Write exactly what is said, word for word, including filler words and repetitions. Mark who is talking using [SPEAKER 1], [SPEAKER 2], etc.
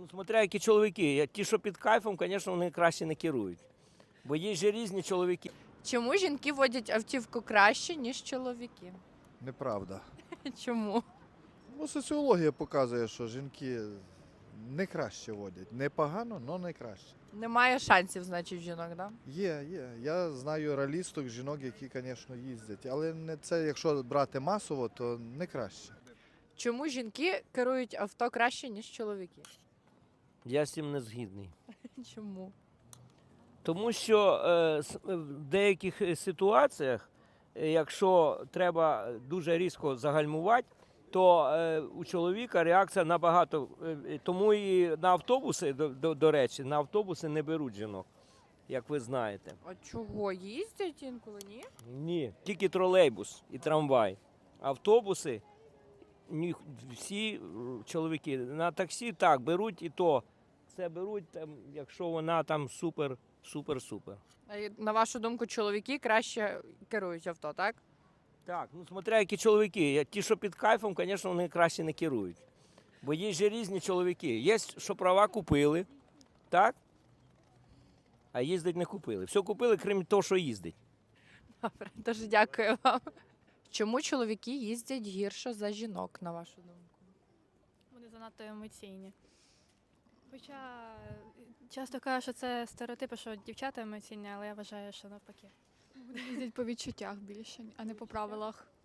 [SPEAKER 1] Смотря які чоловіки. Я- Ті, що під кайфом, звісно, вони краще не керують. Бо є ж різні чоловіки.
[SPEAKER 2] Чому жінки водять автівку краще, ніж чоловіки?
[SPEAKER 3] Неправда.
[SPEAKER 2] Чому?
[SPEAKER 3] Ну, соціологія показує, що жінки не краще водять. Не погано, але не краще.
[SPEAKER 2] Немає шансів, значить, в жінок, да?
[SPEAKER 3] Є, є. Я знаю реалісток, жінок, які, звісно, їздять. Але не це, якщо брати масово, то не краще.
[SPEAKER 2] Чому жінки керують авто краще, ніж чоловіки?
[SPEAKER 1] Я з цим не згідний.
[SPEAKER 2] Чому?
[SPEAKER 1] Тому що е, с- е, в деяких е, ситуаціях, е, якщо треба дуже різко загальмувати, то е, у чоловіка реакція набагато. е, е, Тому і на автобуси, до, до, до речі, на автобуси не беруть жінок, як ви знаєте.
[SPEAKER 2] А чого? Їздять інколи, ні?
[SPEAKER 1] Ні, тільки тролейбус і трамвай. Автобуси ні, всі е, чоловіки. На таксі так беруть і то. Це беруть, там, якщо вона там супер, супер, супер.
[SPEAKER 2] А й- на вашу думку, чоловіки краще керують авто, так?
[SPEAKER 1] Так, ну смотря які чоловіки. Я- Ті, що під кайфом, звісно, вони краще не керують. Бо є ж різні чоловіки. Є, що права купили, так? А їздить не купили. Все купили, крім того, що їздить.
[SPEAKER 2] Добре, дуже дякую вам. Чому чоловіки їздять гірше за жінок, на вашу думку?
[SPEAKER 4] Вони занадто емоційні. Хоча е, часто кажуть, що це стереотипи, що дівчата емоційні, але я вважаю, що навпаки.
[SPEAKER 5] Вони їздять по відчуттях більше, а не по правилах.